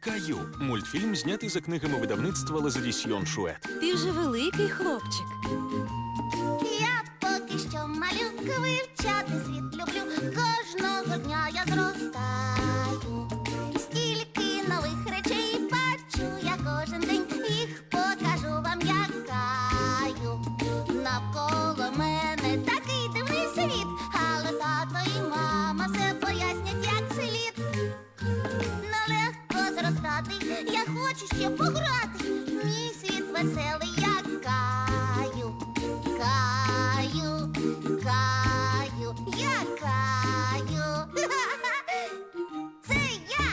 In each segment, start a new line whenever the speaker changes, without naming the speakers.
Каю. Мультфільм знятий за книгами видавництва Лазадісьйон Шует.
Ти вже великий хлопчик.
Я поки що малюка, вивчати світ люблю. Кожного дня я зростаю. Стільки нових речей бачу я кожен день. Їх покажу вам, як Каю. Навколо мене такий дивний світ, але тато і мама все пояснять, як слід. Нелегко зростати, я хочу ще пограти. Мій світ веселий, як Каю. Каю, Каю, я Каю. Це я.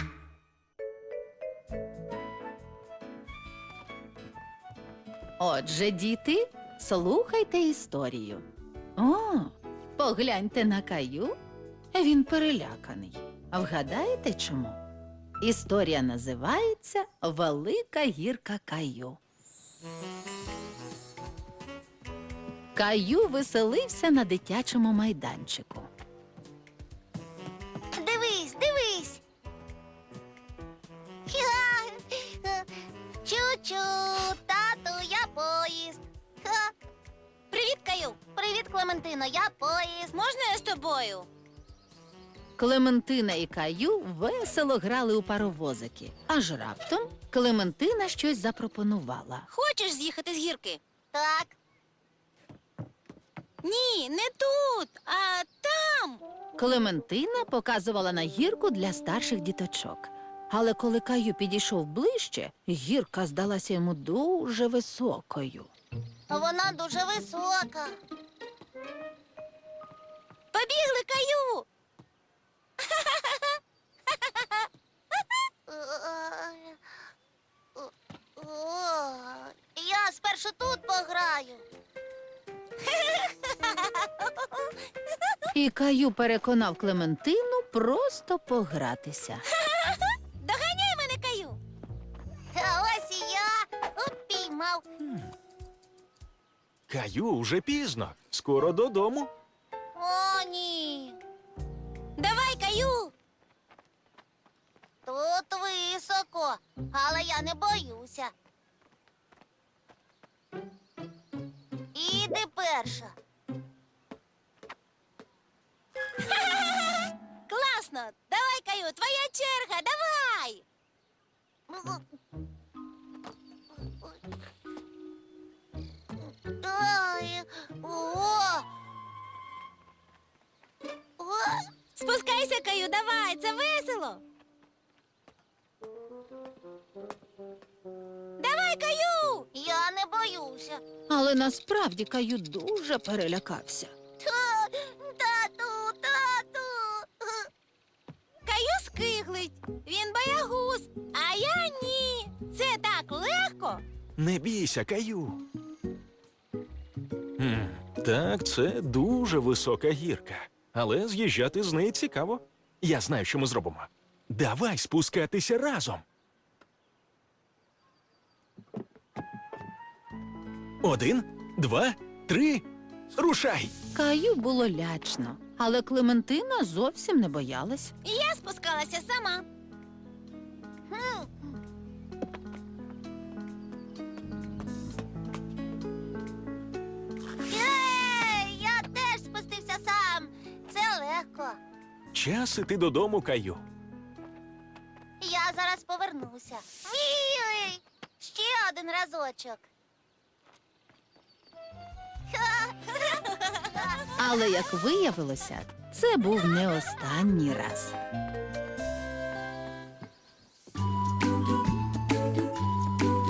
Отже, діти, слухайте історію. О, погляньте на Каю. Він переляканий. А вгадаєте чому? Історія називається «Велика гірка Каю». Каю веселився на дитячому майданчику.
Дивись, дивись. Чу-чу, тату, я поїзд. Привіт, Каю. Привіт, Клементино, я поїзд. Можна я з тобою?
Клементина і Каю весело грали у паровозики. Аж раптом Клементина щось запропонувала.
Хочеш з'їхати з гірки?
Так.
Ні, не тут, а там.
Клементина показувала на гірку для старших діточок. Але коли Каю підійшов ближче, гірка здалася йому дуже високою.
Вона дуже висока.
Побігли, Каю!
Я спершу тут пограю.
І Каю переконав Клементину просто погратися.
Доганяй мене, Каю!
А ось і я упіймав.
Каю, уже пізно. Скоро додому.
О, ні.
Давай, Каю!
Тут високо, але я не боюся. Іди перша.
Класно! Давай, Каю, твоя черга, давай!
Ой, о! О!
Спускайся, Каю, давай, це весело! Давай, Каю!
Я не боюся.
Але насправді Каю дуже перелякався.
Тату, тату.
Каю скиглить, він боягуз, а я ні. Це так легко.
Не бійся, Каю. Так, це дуже висока гірка. Але з'їжджати з неї цікаво. Я знаю, що ми зробимо. Давай спускатися разом. 1, 2, 3. Рушай!
Каю було лячно, але Клементина зовсім не боялась.
Я спускалася сама.
Єй, я теж спустився сам. Це легко.
Час іти додому, Каю.
Я зараз повернуся. Ой, ще один разочок.
Але, як виявилося, це був не останній раз.